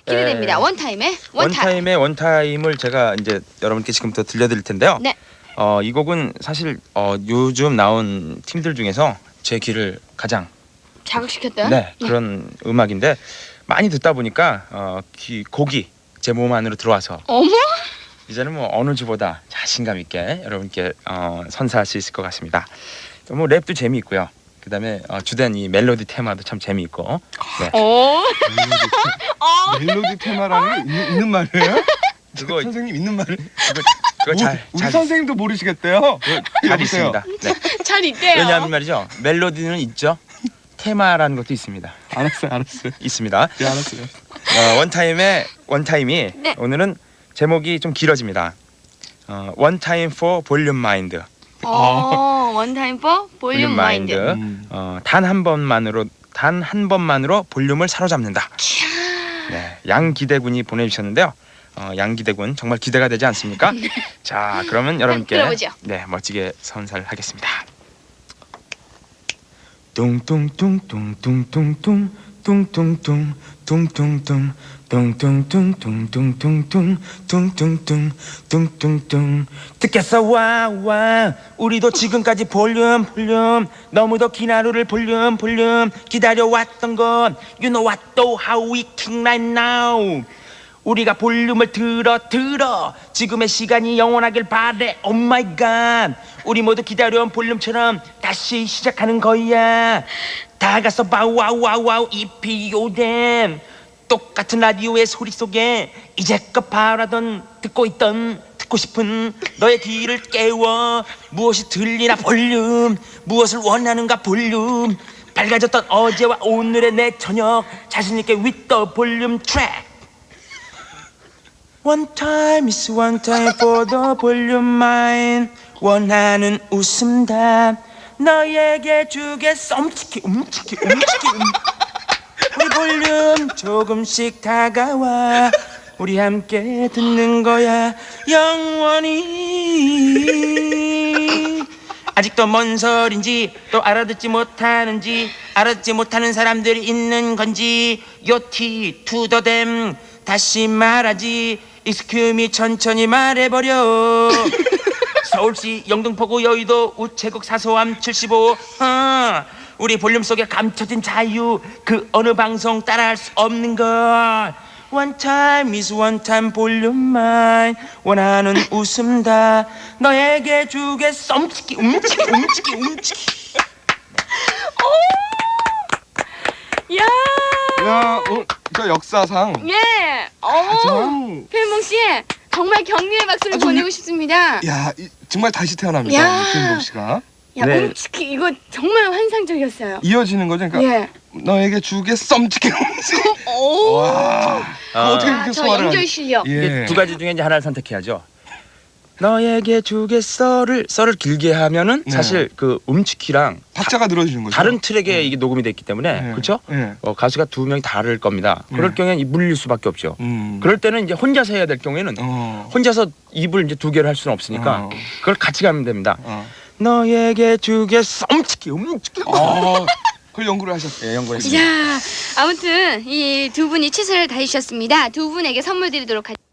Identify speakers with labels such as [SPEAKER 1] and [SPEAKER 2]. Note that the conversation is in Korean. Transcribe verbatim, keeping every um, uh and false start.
[SPEAKER 1] 기대됩니다.
[SPEAKER 2] 에,
[SPEAKER 1] 원타임의 원타임.
[SPEAKER 2] 원타임의 원타임을 제가 이제 여러분께 지금부터 들려드릴 텐데요.
[SPEAKER 1] 네.
[SPEAKER 2] 어, 이 곡은 사실 어, 요즘 나온 팀들 중에서 제 귀를 가장
[SPEAKER 1] 자극시켰던.
[SPEAKER 2] 네, 그런 음악인데 많이 듣다 보니까 어, 귀, 곡이 제 몸 안으로 들어와서
[SPEAKER 1] 어머.
[SPEAKER 2] 이제는 뭐 어느 주보다 자신감 있게 여러분께 어, 선사할 수 있을 것 같습니다. 뭐 랩도 재미있고요. 그다음에 어, 주된 이 멜로디 테마도 참 재미있고. 네.
[SPEAKER 1] 오.
[SPEAKER 3] 멜로디 테마라는 게 있는, 있는 말이에요?
[SPEAKER 2] 그거
[SPEAKER 3] 선생님 있는 말을?
[SPEAKER 2] 그거, 그거 잘,
[SPEAKER 3] 우리
[SPEAKER 2] 잘,
[SPEAKER 3] 선생님도 모르시겠대요.
[SPEAKER 2] 그거 잘
[SPEAKER 3] 여보세요?
[SPEAKER 2] 있습니다. 네.
[SPEAKER 1] 잘 있대요.
[SPEAKER 2] 왜냐하면 말이죠. 멜로디는 있죠. 테마라는 것도 있습니다.
[SPEAKER 3] 알았어요, 알았어요.
[SPEAKER 2] 있습니다.
[SPEAKER 3] 네, 알았어요.
[SPEAKER 2] 어, 원타임의 원타임이
[SPEAKER 1] 네.
[SPEAKER 2] 오늘은 제목이 좀 길어집니다. 어, One Time for Volume Mind.
[SPEAKER 1] 어, 원타임 포 볼륨
[SPEAKER 2] 볼륨
[SPEAKER 1] 마인드.
[SPEAKER 2] 마인드.
[SPEAKER 3] 음.
[SPEAKER 2] 어, 단 한 번만으로 단 한 번만으로 볼륨을 사로잡는다. 네, 양기대군이 보내주셨는데요. 어, 양기대군 정말 기대가 되지 않습니까? 자, 그러면 여러분께
[SPEAKER 1] 들어보죠.
[SPEAKER 2] 네 멋지게 선사를 하겠습니다. 뚱뚱뚱뚱뚱뚱뚱 뚱뚱뚱 뚱뚱뚱 뚱뚱뚱뚱뚱뚱뚱 뚱뚱뚱 뚱뚱뚱 듣겠어 와와 우리도 지금까지 볼륨 볼륨 너무도 긴 하루를 볼륨 볼륨 기다려왔던 건 You know what though how we king right now 우리가 볼륨을 들어 들어 지금의 시간이 영원하길 바래 Oh my god 우리 모두 기다려온 볼륨처럼 다시 시작하는 거야 다 가서 바우와우와우 이피오댐 똑같은 라디오의 소리 속에 이제껏 바라던 듣고 있던 듣고 싶은 너의 귀를 깨워 무엇이 들리나 볼륨 무엇을 원하는가 볼륨 밝아졌던 어제와 오늘의 내 저녁 자신있게 with the volume track One time is one time for the volume mine 원하는 웃음다 너에게 주겠어 움츠키 움츠키 움츠키 움 우리 볼륨 조금씩 다가와 우리 함께 듣는 거야 영원히 아직도 뭔 소린지 또 알아듣지 못하는지 알아듣지 못하는 사람들이 있는 건지 요티 투더댐 다시 말하지 익스큐미 천천히 말해버려 서울시 영등포구 여의도 우체국 사소함 칠십오 어, 우리 볼륨 속에 감춰진 자유 그 어느 방송 따라할 수 없는 것 One time is one time 볼륨 mine 원하는 웃음다 너에게 주겠어 움츠키 움츠키 움츠키 움츠키
[SPEAKER 1] 야.
[SPEAKER 3] 야, 어, 저 역사상
[SPEAKER 1] 예. 어.
[SPEAKER 3] 가장
[SPEAKER 1] 필몽 씨 정말 격려의 박수를
[SPEAKER 3] 아주
[SPEAKER 1] 보내고
[SPEAKER 3] 유-
[SPEAKER 1] 싶습니다.
[SPEAKER 3] 야, 이, 정말 다시 태어납니다.
[SPEAKER 1] 야.
[SPEAKER 3] 김동 씨가
[SPEAKER 1] 야,
[SPEAKER 2] 네.
[SPEAKER 1] 움츠키 이거 정말 환상적이었어요.
[SPEAKER 3] 이어지는 거죠. 그러니까
[SPEAKER 1] 예.
[SPEAKER 3] 너에게 주게 썸찍게
[SPEAKER 1] 오.
[SPEAKER 3] 와.
[SPEAKER 2] 어,
[SPEAKER 3] 어떻게
[SPEAKER 1] 아,
[SPEAKER 3] 그렇게
[SPEAKER 1] 저
[SPEAKER 3] 소화를
[SPEAKER 1] 연결
[SPEAKER 3] 하지?
[SPEAKER 1] 실력.
[SPEAKER 3] 예.
[SPEAKER 2] 이게 두 가지 중에 이제 하나를 선택해야죠. 너에게 주겠어를 썰을 길게 하면은
[SPEAKER 3] 네.
[SPEAKER 2] 사실 그 움츠키랑
[SPEAKER 3] 박자가 늘어지는 거죠.
[SPEAKER 2] 다른 트랙에
[SPEAKER 3] 네.
[SPEAKER 2] 이게 녹음이 됐기 때문에
[SPEAKER 3] 네.
[SPEAKER 2] 그렇죠?
[SPEAKER 3] 네.
[SPEAKER 2] 어, 가수가 두 명이 다를 겁니다. 그럴
[SPEAKER 3] 네.
[SPEAKER 2] 경우에는 이 물릴 수밖에 없죠.
[SPEAKER 3] 음.
[SPEAKER 2] 그럴 때는 이제 혼자서 해야 될 경우에는
[SPEAKER 3] 어.
[SPEAKER 2] 혼자서 입을 이제 두 개를 할 수는 없으니까
[SPEAKER 3] 어.
[SPEAKER 2] 그걸 같이 가면 됩니다.
[SPEAKER 3] 어.
[SPEAKER 2] 너에게 주겠어 움츠키 움츠키.
[SPEAKER 3] 어. 그걸 연구를 하셨어요.
[SPEAKER 2] 예, 연구했습니다.
[SPEAKER 1] 자, 아무튼 이 두 분이 최선을 다해주셨습니다. 두 분에게 선물 드리도록 하겠습니다.